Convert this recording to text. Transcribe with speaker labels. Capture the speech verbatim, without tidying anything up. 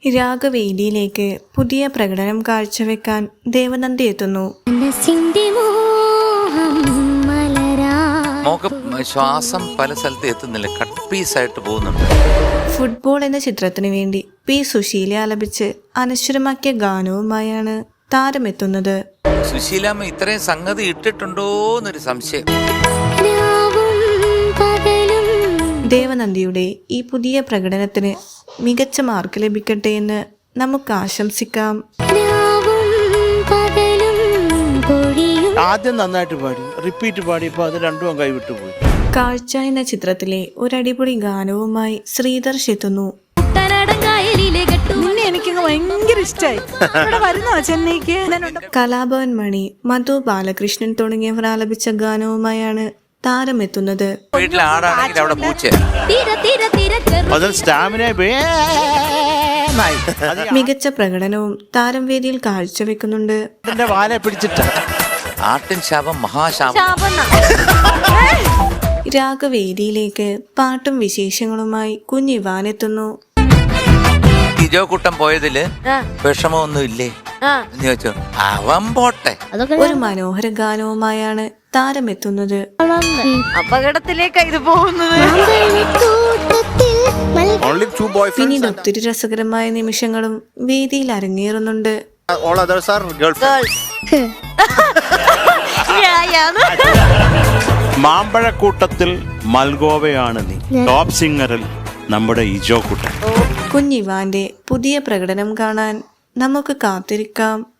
Speaker 1: രാഗവേദിയിലേക്ക് പുതിയ പ്രകടനം കാഴ്ചവെക്കാൻ ദേവനന്ദി എത്തുന്നു.
Speaker 2: ശ്വാസം പല സ്ഥലത്ത് എത്തുന്നില്ല, കട്ട് പീസായിട്ട് പോകുന്നുണ്ട്.
Speaker 1: ഫുട്ബോൾ എന്ന ചിത്രത്തിനു വേണ്ടി പി സുശീല ആലപിച്ച് അനശ്വരമാക്കിയ ഗാനവുമായാണ് താരമെത്തുന്നത്.
Speaker 2: സുശീലാമ്മ ഇത്രയും സംഗതി ഇട്ടിട്ടുണ്ടോ എന്നൊരു സംശയം.
Speaker 1: ദേവനന്ദിയുടെ ഈ പുതിയ പ്രകടനത്തിന് മികച്ച മാർക്ക് ലഭിക്കട്ടെ എന്ന് നമുക്ക് ആശംസിക്കാം.
Speaker 3: ആദ്യം നന്നായിട്ട് പാടി, റിപ്പീറ്റ് പാടിയപ്പോൾ അത് രണ്ടും കൈവിട്ടു പോയി.
Speaker 1: കാഴ്ച എന്ന ചിത്രത്തിലെ ഒരടിപൊളി ഗാനവുമായി ശ്രീധർഷ് എത്തുന്നു. കലാഭവൻ മണി, മധു ബാലകൃഷ്ണൻ തുടങ്ങിയവർ ആലപിച്ച ഗാനവുമായാണ് താരമെത്തുന്നത്. മികച്ച പ്രകടനവും താരം വേദിയിൽ കാഴ്ചവെക്കുന്നുണ്ട്. രാഗവേദിയിലേക്ക് പാട്ടും വിശേഷങ്ങളുമായി കുഞ്ഞിവാൻ എത്തുന്നു.
Speaker 2: ഇജോക്കുട്ടൻ പോയതില് വിഷമമൊന്നും ഇല്ലേ എന്ന് ചോദിച്ചു. അവൻ പോട്ടെ.
Speaker 1: ഒരു മനോഹര ഗാനവുമായാണ് താരമെത്തുന്നത്.
Speaker 4: അപകടത്തിലേക്കാണ് ഇത് പോകുന്നത്.
Speaker 1: പിന്നീട് ഒത്തിരി രസകരമായ നിമിഷങ്ങളും വേദിയിൽ അരങ്ങേറുന്നുണ്ട്.
Speaker 3: മാമ്പഴക്കൂട്ടത്തിൽ മൽഗോവയാണ് നീ, ടോപ്പ് സിംഗറിൽ നമ്മുടെ ഇജോ കുട്ടൻ.
Speaker 1: കുഞ്ഞിവാന്റെ പുതിയ പ്രകടനം കാണാൻ നമുക്ക് കാത്തിരിക്കാം.